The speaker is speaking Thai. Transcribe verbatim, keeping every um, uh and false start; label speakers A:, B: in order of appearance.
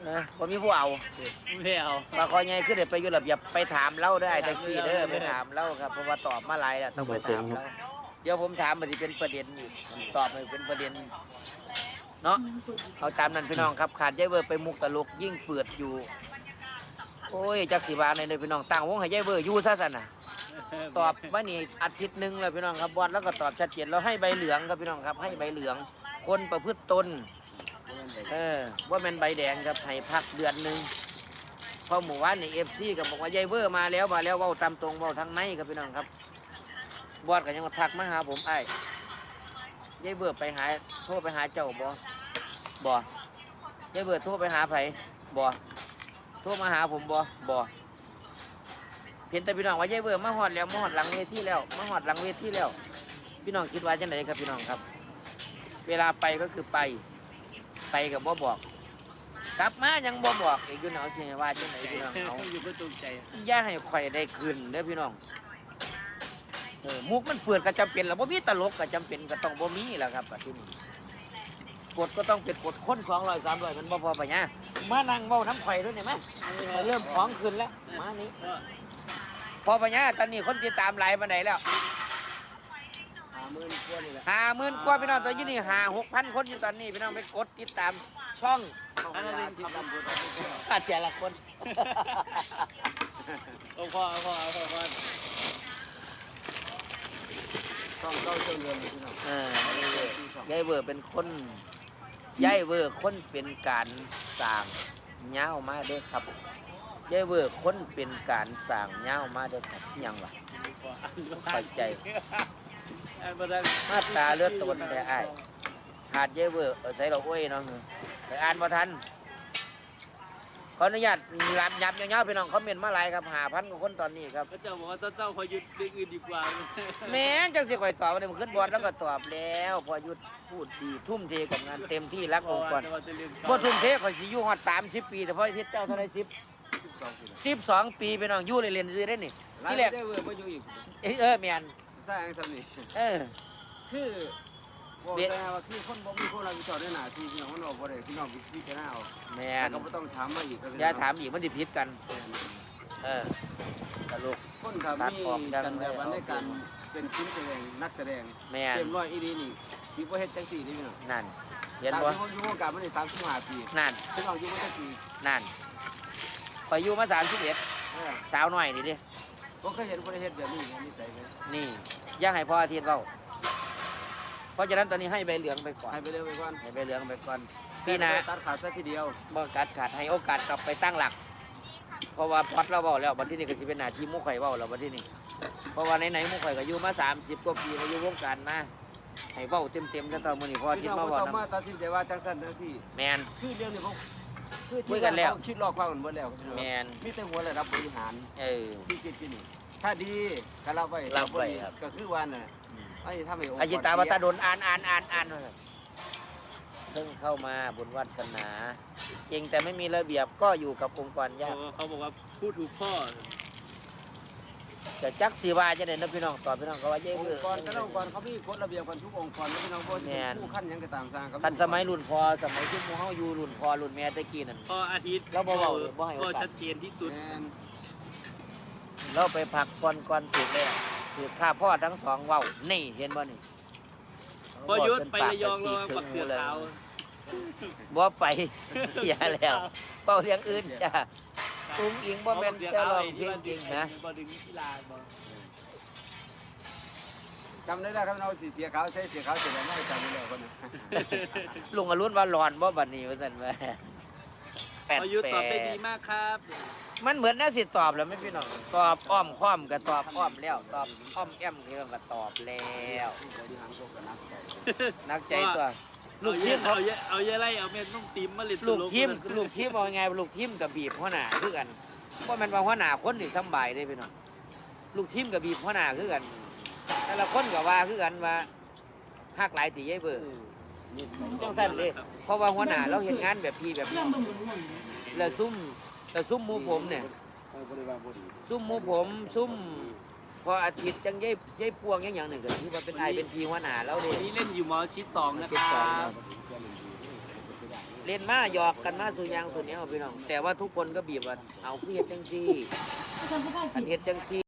A: นะผมมีผู้เอา
B: ไม่เอา
A: มาคอยไงขึ้นเดี๋ยวไปอยู่ระเบียบไปถามเล่าได้แท็กซี่เด้อไปถามเล่าครับเพราะว่าตอบมาหลายแล้วต้องไปถามเล่าเดี๋ยวผมถามมันจะเป็นประเด็นอีกตอบมันเป็นประเด็นเนาะเอาตามนั้นพี่น้องครับขาดยายเวอร์ไปมุกตลกยิ่งเปิดอยู่โอ้ยจักสีบาในเลยพี่น้องตั้งวงให้ยายเวอร์อยู่ซะสันน่ะตอบว่านี่อาทิตย์หนึ่งเลยพี่น้องครับบอลแล้วก็ตอบชัดเจนเราให้ใบเหลืองครับพี่น้องครับให้ใบเหลืองคนประพฤติตนเออว่าเป็นใบแดงครับให้พักเดือนหนึ่งพอหมู่บ้านในเอฟซีกับบอกว่ายายเวอร์มาแล้วมาแล้วเว้าตามตรงเว้าทางในครับพี่น้องครับบอดก็ยังมาทักมาหาผมไอ้ยายเวอร์ไปหาโทรไปหาเจ้าบ่บ่ยายเวอร์โทรไปหาไผบ่โทรมาหาผมบ่บ่เพียงแต่พี่น้องว่ายายเวอร์มาหอดแล้วมาหอดหลังเวทีแล้วมาหอดหลังเวทีแล้วพี่น้องคิดว่าจังไดครับพี่น้องครับเวลาไปก็คือไปไปกับบ่บอกกลับมายังบ่บอกอีกอยู่หนาวเสียว่าจังไดพี่น้องเอา
B: อยู่ก็ตรงใจ
A: อย่าให้ข่อยได้คืนเด้อพี่น้องเออมุกมันเฟื่อนก็จำเป็นแล้วบ่มีตลกก็จำเป็นก็ต้องบ่มีแหละครับก็ที่นี่กฎก็ต้องเป็นกฎคนสองร้อย สามร้อยมันบ่พอปะเนี่ยมานั่งเว้าน้ำข่อยด้วยได้ไหมเริ่มของขึ้นแล้วมานี่พอปะเนี่ยตอนนี้คนติดตามหลายปานใดแล้วห้าหมื่นกว่านี่แหละห้าหมื่นกว่าพี่น้องตอนนี้นี่ห้า หกพันคนอยู่ตอนนี้พี่น้องไปกดติดตามช่องอันนั้นเป็นที่ตำบลอาเจียละคน
B: โอ้พ่อพ่อพ่อพ่อ
A: ต้องเข้าเชิงเดินพี่น้องเออยายเวอร์เป็นคนยายเวอร์คนเป็นการสร้างเงามาเด้อครับยายเวอร์คนเป็นการสร้างเงามาเด้อครับยังวะเข้าใจมาตาเลือดตนแต่อ้ายขาดยายเวอร์ใส่เราอ้วยน้องไปอ่านบ่ทันขออนุญาตรับยับเงาๆพี่น้องคอมเมนต์มาหลายครับหาพันกว่าคนตอนนี้ครับ
B: พระเจ้าบอกว่าเจ้าพอหยุดเรื่องอื่นดีกว่า
A: แม่งจังสิข่อยตอบว่ามันขึ้นบอลแล้วก็ตอบแล้วพอหยุดพูดดีทุ่มเทกับงานเต็มที่รักองค์กรบ่ทุ่มเทข่อยสิอยู่ฮอดสามสิบปีแต่พอทิศเจ้าเท่าไหร่สิบ สิบสองปีพี่น้องอยู่ในเรียนซื้อได้นี่ที่แรก
C: ได้เวอร์มาอยู่อีก
A: เออแม่น
C: สร้างสำนี
A: เออ
C: คือบอกได้ว่าคือคนบ่มีคนรับผิดชอบในหน้าที่พี่น้องมันออกบ่ได้พี่น้องพิจารณาเอา
A: แม่น
C: ก็บ่ต้องถามมาอีก
A: อย่าถามอีกมันสิผิดกันเออตลก
C: คนก็มีจันทร์วันในการเป็นชิ้นแสดงนักแสดง
A: แม่น
C: เต็มร้อยอีดีนี่สิบ่เฮ็ดจังซี่นี่พี่น้อง
A: นั่นเห็น
C: ตาม
A: บ่
C: ที่ผมอยู่วงการมาได้สามสิบห้าปี
A: นั่น
C: พี่น้องอยู่มาจักปี
A: นั่นข่อยอยู่มาสามสิบเอ็ด
C: เออ
A: สาวน้อยนี่ดิ
C: บ่เคยเห็นคนเฮ็ดแบบนี้นิสัยเลย
A: นี่อย่าให้พ่ออาทิตย์เว้าเพราะฉะนั้นตอนนี้ให้ใบเหลืองไปก่อน
C: ให้ไปเร็วไปก่อน
A: ให้ใบเหลืองไปก่อนพี่นะ
C: ตัดขาดซะทีเดียว
A: บ่กัดขาดให้โอกาสกลับไปตั้งหลัก เพราะว่าพอดเราเว้าแล้วบัดที่นี่ก็สิเป็นหน้าที่หมู่ข่อยเว้าแล้วบัดที่นี่เพราะว่าไหนๆหมู่ข่อยก็อยู่มาสามสิบกว่าปีแล้วอยู่วงการมาให้เว้าเต็มๆจังตอนมื้อนี้พออาทิ
C: พี่
A: ตย์
C: น้อง
A: มา
C: บ่
A: เว้า
C: ต้องมา
A: นํ
C: ตัดสินใจว่าจังซั่นจังซี่
A: แมน
C: คือเรื่องนี้เขาคือ
A: คุยกันแล้ว
C: เขาคิดรอบความกันหมดแล้ว
A: แมน
C: มีแต่หัวระดับบริหาร
A: เออ
C: ที่คิดที่นี่ถ้าดีก็รับไว้
A: รับไว้ครับ
C: ก็คือว่าน่ะไอ้ทำให้องค์กร
A: อาจิตาวตาดนอ่านอ่านอ่านอ่านเพิ่งเข้ามาบุญวัฒนาเก่งแต่ไม่มีระเบียบก็อยู่กับองค์กรยาก
B: เขาบอกว่าพูดถูกพ่อ
A: จะจักสีวาจะเด่นนะพี่น้องตอบพี่น้องก็ว่าเย้
C: อง
A: เพื่อ
C: ค์กรแต่ละองค์กรเขามีกฎระเบียบกันทุกองค์กรแล้วพี่น้องบ่ที่เป็นผู้ขั้นหยังก็ตามสร้างเขา
A: คันสมัยรุ่นพอสมัยที่หมู่เฮาอยู่รุ่นพอรุ่นแม่ตะกี้นั่น
B: พ่ออาทิตย์
A: เราบ่เว้าบ่ให้โอกาส
B: พ่อชัดเจนที่สุด
C: แม่น
A: เราไปพักก่อนก่อนถูกแล้วถูกข้าพ่อทั้งสองเว้านี่เห็นบ่นี่
B: พอหยุดไประยองเราปักเสือขาว
A: บ่ไปเสียแล้วเป้าเลี้ยงอื่นจ้าอุ้งอิงบ่แม่นจะร้องเพลงจริงนะ
B: บ่ดึงกีฬาบ่
C: จำได้แล้วครับเราสีเสียขาวใช้เสียขาวเสร็จแล้วไม่จำได้แล้วคนนึง
A: ลุงอรุณว่าร้อนบ่บัดนี้ว่าซั่นว่าแปด
B: พอหยุด
A: แป
B: ตอบได้
A: ด
B: ดีมากครับ
A: มันเหมือนแนวสิตอบแล้วไหม่พี่น้องตอบอ้อมค้อมก็ตอบอ้อมแล้ว ตอบอ้อมแอมเรื่องก็ตอบแล้ว
C: บริหารพวกกันนักต่อ
A: นักใจตัว ลู
B: ลู
A: ก
B: ก
A: ที
B: ที
A: ม
B: ม
A: เขา
B: เอาเยอะเอาเยอะไรเอาเม็ดนุ่มติมมาเลย
A: ลูกทีมลูกทีมเอาไงลูกทีมกับบีบหัวหน้าคือกันเพราะมันว่าหัวหน้าคนนี่สำบายได้พี่น้องลูกทีมกับบีบหัวหน้าคือกันแต่ละคนก็ว่าคือกันว่าฮักหลายตีใหญ่เบอร์จังซั่นเด้เพราะว่าหัวหน้าเราเฮ็ดงานแบบพี่แบบน้องแล้วซุ่มแล้วซุ่มหมู่ผมเนี่ย
C: บริวารบดี
A: ซุ่มหมู่ผมซุ่มพออาทิตย์จังยายยายปวงอย่างอย่างหนึ่งก็ที่ว่าเป็นไอายเป็นพีหัวหน้าแล้วเด้
B: วันนี้เล่นอยู่มอชิดสองนะ
A: ชิด
B: ค
A: สอ
B: รั
A: ง
B: บ
A: เล่นมาหยอกกันมาสู่ยางสู่เนี้ยพี่น้องแต่ว่าทุกคนก็บีบว่าเอาคือเฮ็ดจังซี่
D: อาจารย์ผู้ใต้
A: อัน
D: ผิด
A: เฮ็ดจังซี่